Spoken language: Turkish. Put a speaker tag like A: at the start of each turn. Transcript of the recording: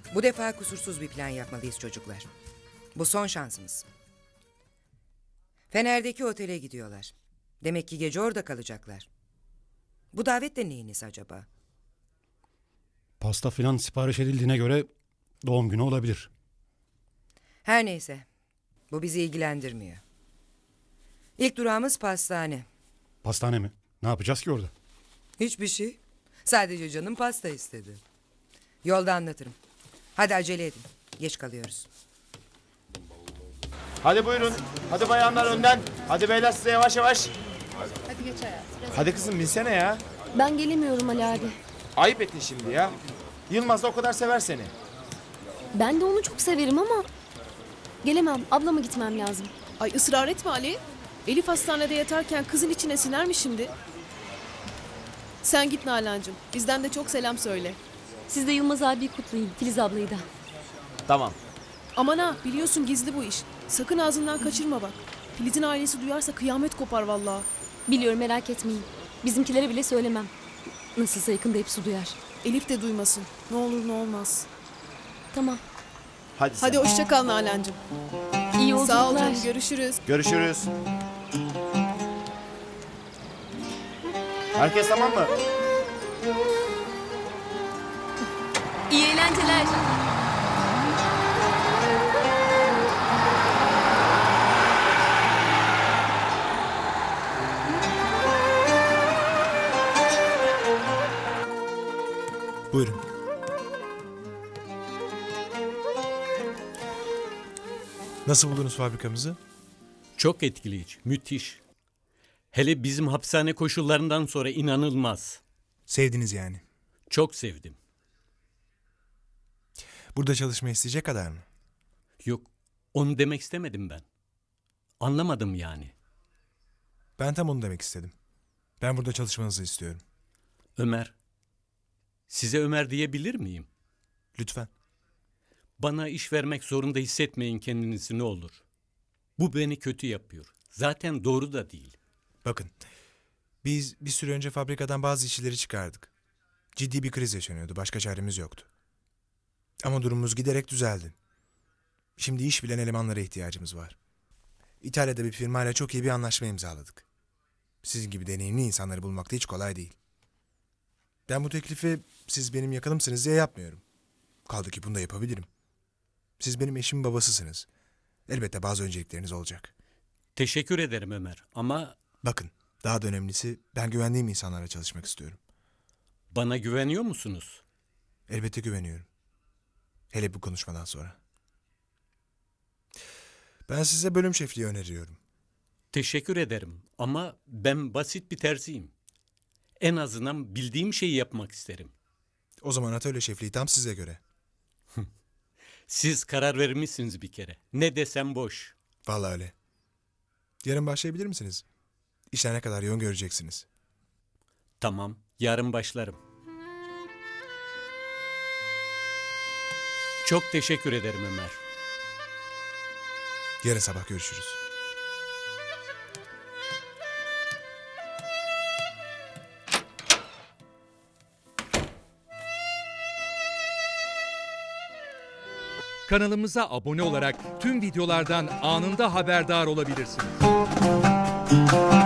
A: Bu defa kusursuz bir plan yapmalıyız çocuklar. Bu son şansımız. Fener'deki otele gidiyorlar. Demek ki gece orada kalacaklar. Bu davet de neyiniz acaba?
B: Pasta filan sipariş edildiğine göre doğum günü olabilir.
A: Her neyse. Bu bizi ilgilendirmiyor. İlk durağımız pastane.
B: Pastane mi? Ne yapacağız ki orada?
A: Hiçbir şey. Sadece canım pasta istedi. Yolda anlatırım. Hadi acele edin. Geç kalıyoruz.
C: Hadi buyurun. Hadi bayanlar önden. Hadi beyler size yavaş yavaş.
D: Hadi geç hayatım.
C: Hadi kızım binsene ya.
D: Ben gelemiyorum Ali abi.
C: Ayıp ettin şimdi ya. Yılmaz da o kadar sever seni.
D: Ben de onu çok severim ama gelemem. Ablama gitmem lazım.
E: Ay ısrar etme Ali. Elif hastanede yatarken kızın içine siner mi şimdi? Sen git Nalan'cığım. Bizden de çok selam söyle.
F: Siz de Yılmaz abiyi kutlayın. Filiz ablayı da.
C: Tamam.
E: Aman ha biliyorsun gizli bu iş. Sakın ağzından kaçırma bak. Filiz'in ailesi duyarsa kıyamet kopar vallahi.
F: Biliyorum, merak etmeyin. Bizimkilere bile söylemem. Nasılsa yakında hepsi duyar.
E: Elif de duymasın. Ne olur ne olmaz.
F: Tamam.
C: Hadi sen.
E: Hadi hoşça kal Nalan'cığım.
F: İyi yolculuklar.
E: Sağ ol canım, görüşürüz.
C: Görüşürüz. Herkes tamam mı?
F: İyi eğlenceler.
G: Buyurun. Nasıl buldunuz fabrikamızı?
H: Çok etkileyici, müthiş. Hele bizim hapishane koşullarından sonra inanılmaz.
G: Sevdiniz yani.
H: Çok sevdim.
G: Burada çalışmayı isteyecek kadar mı?
H: Yok, onu demek istemedim ben. Anlamadım yani.
G: Ben tam onu demek istedim. Ben burada çalışmanızı istiyorum.
H: Ömer, size Ömer diyebilir miyim?
G: Lütfen.
H: Bana iş vermek zorunda hissetmeyin kendinizi ne olur. Bu beni kötü yapıyor. Zaten doğru da değil.
G: Bakın. Biz bir süre önce fabrikadan bazı işçileri çıkardık. Ciddi bir kriz yaşanıyordu. Başka çaremiz yoktu. Ama durumumuz giderek düzeldi. Şimdi iş bilen elemanlara ihtiyacımız var. İtalya'da bir firmayla çok iyi bir anlaşma imzaladık. Sizin gibi deneyimli insanları bulmak da hiç kolay değil. Ben bu teklifi siz benim yakınımsınız diye yapmıyorum. Kaldı ki bunu da yapabilirim. Siz benim eşimin babasısınız. Elbette bazı öncelikleriniz olacak.
H: Teşekkür ederim Ömer ama
G: Bakın, daha da önemlisi ben güvendiğim insanlarla çalışmak istiyorum.
H: bana güveniyor musunuz?
G: Elbette güveniyorum. Hele bu konuşmadan sonra. Ben size bölüm şefliği öneriyorum.
H: Teşekkür ederim ama ben basit bir terziyim. En azından bildiğim şeyi yapmak isterim.
G: O zaman atölye şefliği tam size göre.
H: Siz karar vermişsiniz bir kere. Ne desem boş.
G: Vallahi öyle. Yarın başlayabilir misiniz? İşler ne kadar yoğun göreceksiniz.
H: Tamam, yarın başlarım. Çok teşekkür ederim Ömer.
G: Yarın sabah görüşürüz.
I: Kanalımıza abone olarak tüm videolardan anında haberdar olabilirsiniz.